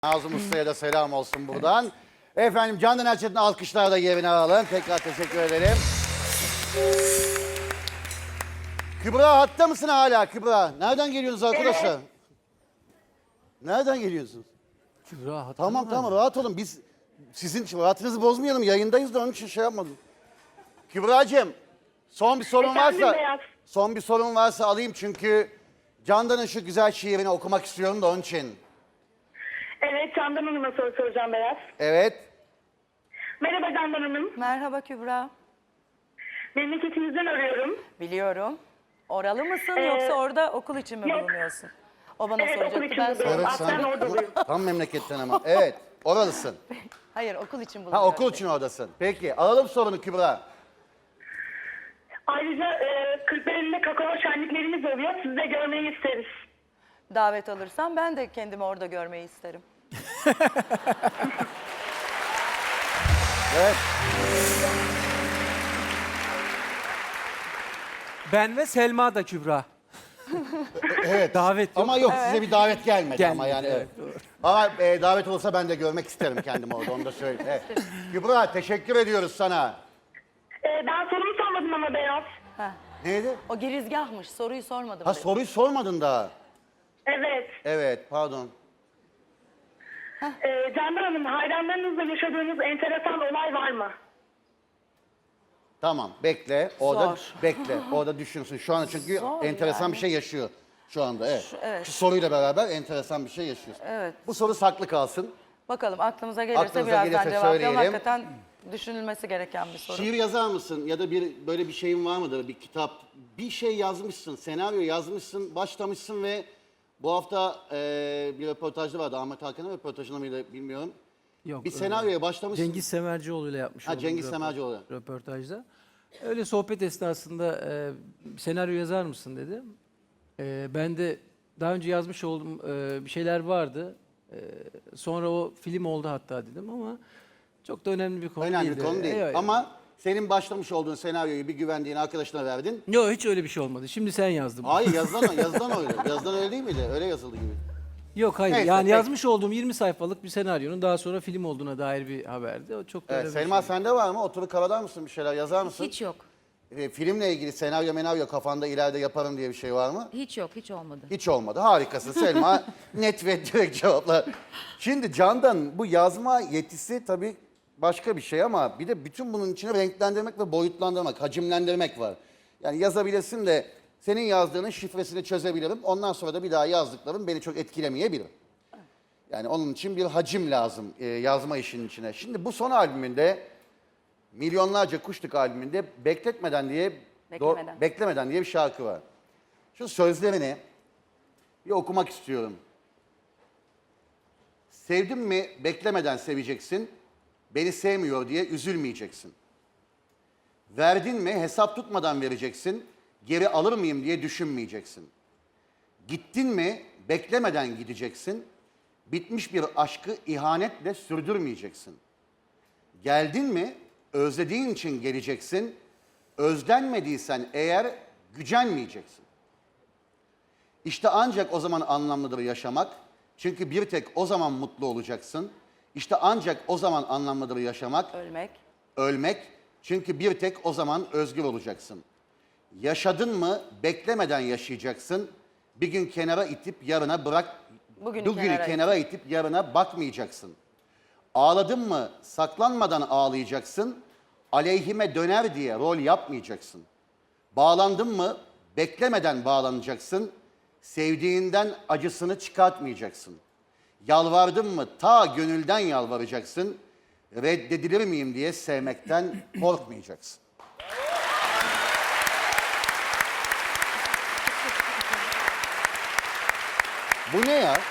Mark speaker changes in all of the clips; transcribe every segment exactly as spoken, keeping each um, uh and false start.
Speaker 1: Nazım Usta'ya da selam olsun buradan. Efendim Candan Erçetin alkışlarla yerine alalım. Tekrar teşekkür ederim. Kübra hatta mısın hala Kübra? Nereden geliyorsunuz arkadaşlar? Nereden geliyorsunuz?
Speaker 2: Kübra hatta
Speaker 1: Tamam tamam rahat olun. Biz sizin rahatınızı bozmayalım. Yayındayız da onun için şey yapmadım. Kübra'cığım son bir sorun
Speaker 3: Efendim
Speaker 1: varsa
Speaker 3: Beyaz.
Speaker 1: son bir sorun varsa alayım çünkü Candan'ın şu güzel şiirini okumak istiyorum da onun için.
Speaker 3: Evet, Candan Hanım'a soru soracağım Beyaz.
Speaker 1: Evet.
Speaker 3: Merhaba Candan Hanım.
Speaker 4: Merhaba Kübra.
Speaker 3: Memleketinizden arıyorum.
Speaker 4: Biliyorum. Oralı mısın
Speaker 3: Ee,
Speaker 4: yoksa orada okul için mi
Speaker 3: yok.
Speaker 4: bulunuyorsun? O bana
Speaker 3: Evet, okul
Speaker 4: soracaktı,
Speaker 3: için
Speaker 4: ben
Speaker 3: bulunuyorum.
Speaker 4: sordum.
Speaker 1: Evet
Speaker 3: Aslen
Speaker 1: sen
Speaker 3: Orduluyum.
Speaker 1: tam memleketten ama. Evet oralısın.
Speaker 4: Hayır, okul için bulunuyorum.
Speaker 1: Ha okul için oradasın. Peki alalım sorunu Kübra.
Speaker 3: Ayrıca e, Kırklareli'nde kakao şenliklerimiz oluyor. Sizi de görmeyi isteriz.
Speaker 4: Davet alırsam ben de kendimi orada görmeyi isterim.
Speaker 1: Evet.
Speaker 2: Ben ve Selma da Kübra.
Speaker 1: Evet.
Speaker 2: Davet yok.
Speaker 1: Ama yok size bir davet gelmedi,
Speaker 2: Gelmedi,
Speaker 1: ama yani evet.
Speaker 2: evet, doğru.
Speaker 1: Ama e, davet olsa ben de görmek isterim kendimi orada onu da söyleyeyim. Evet. Kübra teşekkür ediyoruz sana.
Speaker 3: E, ben sorumu sormadım ama Beyaz.
Speaker 4: Heh.
Speaker 1: Neydi?
Speaker 4: O girizgahmış, soruyu sormadım.
Speaker 1: Ha
Speaker 4: bile.
Speaker 1: soruyu sormadın daha.
Speaker 3: Evet.
Speaker 1: Evet pardon.
Speaker 3: E, Candan Hanım, hayranlarınızla yaşadığınız enteresan olay var mı?
Speaker 1: Tamam bekle. Orada
Speaker 4: Zor.
Speaker 1: bekle. Orada düşünsün. Şu anda çünkü
Speaker 4: Zor
Speaker 1: enteresan
Speaker 4: yani.
Speaker 1: bir şey yaşıyor. Şu anda evet.
Speaker 4: Şu- evet.
Speaker 1: Şu soruyla beraber enteresan bir şey yaşıyorsun.
Speaker 4: Evet.
Speaker 1: Bu soru saklı kalsın.
Speaker 4: Bakalım aklımıza gelirse
Speaker 1: Aklınıza
Speaker 4: birazdan
Speaker 1: gelirse
Speaker 4: cevaplayalım.
Speaker 1: söyleyelim.
Speaker 4: Hakikaten düşünülmesi gereken bir soru.
Speaker 1: Şiir yazar mısın ya da bir böyle bir şeyin var mıdır, bir kitap? Bir şey yazmışsın, senaryo yazmışsın, başlamışsın ve bu hafta e, bir röportajda vardı. Ahmet Hakan'ın röportajında mıydı bilmiyorum.
Speaker 2: Yok,
Speaker 1: Bir
Speaker 2: e,
Speaker 1: senaryoya başlamışsın.
Speaker 2: Cengiz Semercioğlu ile yapmış
Speaker 1: Ha,
Speaker 2: olduğum
Speaker 1: Cengiz
Speaker 2: röpo-
Speaker 1: Semercioğlu.
Speaker 2: röportajda. Öyle sohbet esnasında e, senaryo yazar mısın dedi. E, ben de daha önce yazmış olduğum e, bir şeyler vardı. E, sonra o film oldu hatta dedim ama çok da önemli bir konu
Speaker 1: Önemli
Speaker 2: değildi.
Speaker 1: bir konu değil.
Speaker 2: Evet.
Speaker 1: Ama senin başlamış olduğun senaryoyu bir güvendiğin arkadaşına verdin.
Speaker 2: Yok hiç öyle bir şey olmadı. Şimdi sen yazdın.
Speaker 1: Hayır yazılan, yazılan öyle. Yazılan öyle değil miydi? Öyle yazıldı gibi.
Speaker 2: Yok hayır.
Speaker 1: Neyse,
Speaker 2: yani
Speaker 1: peki.
Speaker 2: yazmış olduğum yirmi sayfalık bir senaryonun daha sonra film olduğuna dair bir haberdi. O çok da
Speaker 1: Evet,
Speaker 2: öyle bir
Speaker 1: Selma
Speaker 2: şey.
Speaker 1: sende var mı? Oturup kavalar mısın bir şeyler yazar mısın?
Speaker 5: Hiç yok.
Speaker 1: E, filmle ilgili senaryo menaryo kafanda ileride yaparım diye bir şey var mı?
Speaker 5: Hiç yok. Hiç olmadı.
Speaker 1: Hiç olmadı. Harikasın Selma. Net ve direkt cevaplar. Şimdi Candan bu yazma yetisi tabii başka bir şey ama bir de bütün bunun içine renklendirmek ve boyutlandırmak, hacimlendirmek var. Yani yazabilirsin de senin yazdığının şifresini çözebilirim. Ondan sonra da bir daha yazdıklarım beni çok etkilemeyebilir. Yani onun için bir hacim lazım e, yazma işinin içine. Şimdi bu son albümünde Milyonlarca Kuşluk albümünde Bekletmeden diye
Speaker 4: Beklemeden.
Speaker 1: Do- Beklemeden diye bir şarkı var. Şu sözlerini bir okumak istiyorum. Sevdim mi beklemeden seveceksin. Beni sevmiyor diye üzülmeyeceksin. Verdin mi hesap tutmadan vereceksin. Geri alır mıyım diye düşünmeyeceksin. Gittin mi beklemeden gideceksin. Bitmiş bir aşkı ihanetle sürdürmeyeceksin. Geldin mi özlediğin için geleceksin. Özlenmediysen eğer gücenmeyeceksin. İşte ancak o zaman anlamlıdır yaşamak. Çünkü bir tek o zaman mutlu olacaksın. İşte ancak o zaman anlamlıdır yaşamak.
Speaker 4: Ölmek.
Speaker 1: Ölmek. Çünkü bir tek o zaman özgür olacaksın. Yaşadın mı beklemeden yaşayacaksın. Bir gün kenara itip yarına bırak.
Speaker 4: Bugünü
Speaker 1: Bugünü
Speaker 4: kenara
Speaker 1: kenara itip yarına bakmayacaksın. Ağladın mı saklanmadan ağlayacaksın. Aleyhime döner diye rol yapmayacaksın. Bağlandın mı beklemeden bağlanacaksın. Sevdiğinden acısını çıkartmayacaksın. Yalvardın mı ta gönülden yalvaracaksın. Reddedilir miyim diye sevmekten korkmayacaksın. Bu ne ya?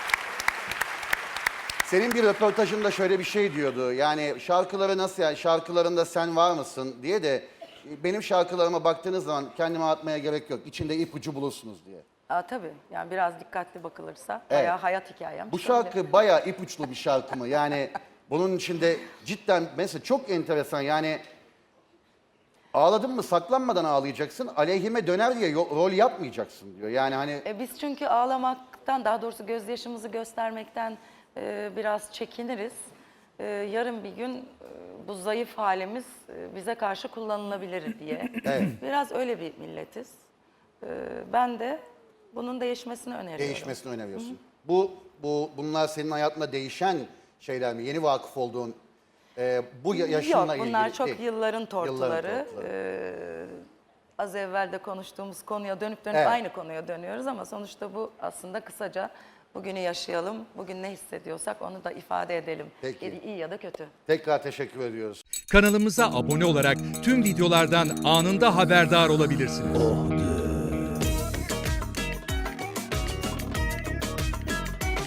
Speaker 1: Senin bir röportajında şöyle bir şey diyordu. Yani şarkıları nasıl yani şarkılarında sen var mısın diye de benim şarkılarıma baktığınız zaman kendime atmaya gerek yok. İçinde ipucu bulursunuz diye.
Speaker 4: Aa, tabii yani biraz dikkatli bakılırsa
Speaker 1: Evet.
Speaker 4: bayağı hayat hikayem.
Speaker 1: Bu şarkı bayağı ipuçlu bir şarkı mı? Yani bunun içinde cidden mesela çok enteresan yani ağladın mı saklanmadan ağlayacaksın. Aleyhime döner diye yo- rol yapmayacaksın diyor. Yani hani
Speaker 4: E biz çünkü ağlamaktan, daha doğrusu gözyaşımızı göstermekten e, biraz çekiniriz. E, yarın bir gün e, bu zayıf halimiz e, bize karşı kullanılabilir diye.
Speaker 1: Evet.
Speaker 4: Biraz öyle bir milletiz. E, ben de bunun değişmesini öneriyorum.
Speaker 1: Değişmesini öneriyorsun. Bu, bu, bunlar senin hayatında değişen şeyler mi? Yeni vakıf olduğun e, bu ya- yaşınla
Speaker 4: Yok, bunlar
Speaker 1: ilgili
Speaker 4: çok
Speaker 1: değil.
Speaker 4: yılların tortuları.
Speaker 1: Yılların tortuları.
Speaker 4: Ee, az evvel de konuştuğumuz konuya dönüp dönüp
Speaker 1: Evet.
Speaker 4: aynı konuya dönüyoruz ama sonuçta bu aslında kısaca bugünü yaşayalım, bugün ne hissediyorsak onu da ifade edelim.
Speaker 1: Peki.
Speaker 4: İyi ya da kötü.
Speaker 1: Tekrar teşekkür ediyoruz.
Speaker 5: Kanalımıza abone olarak tüm videolardan anında haberdar olabilirsiniz.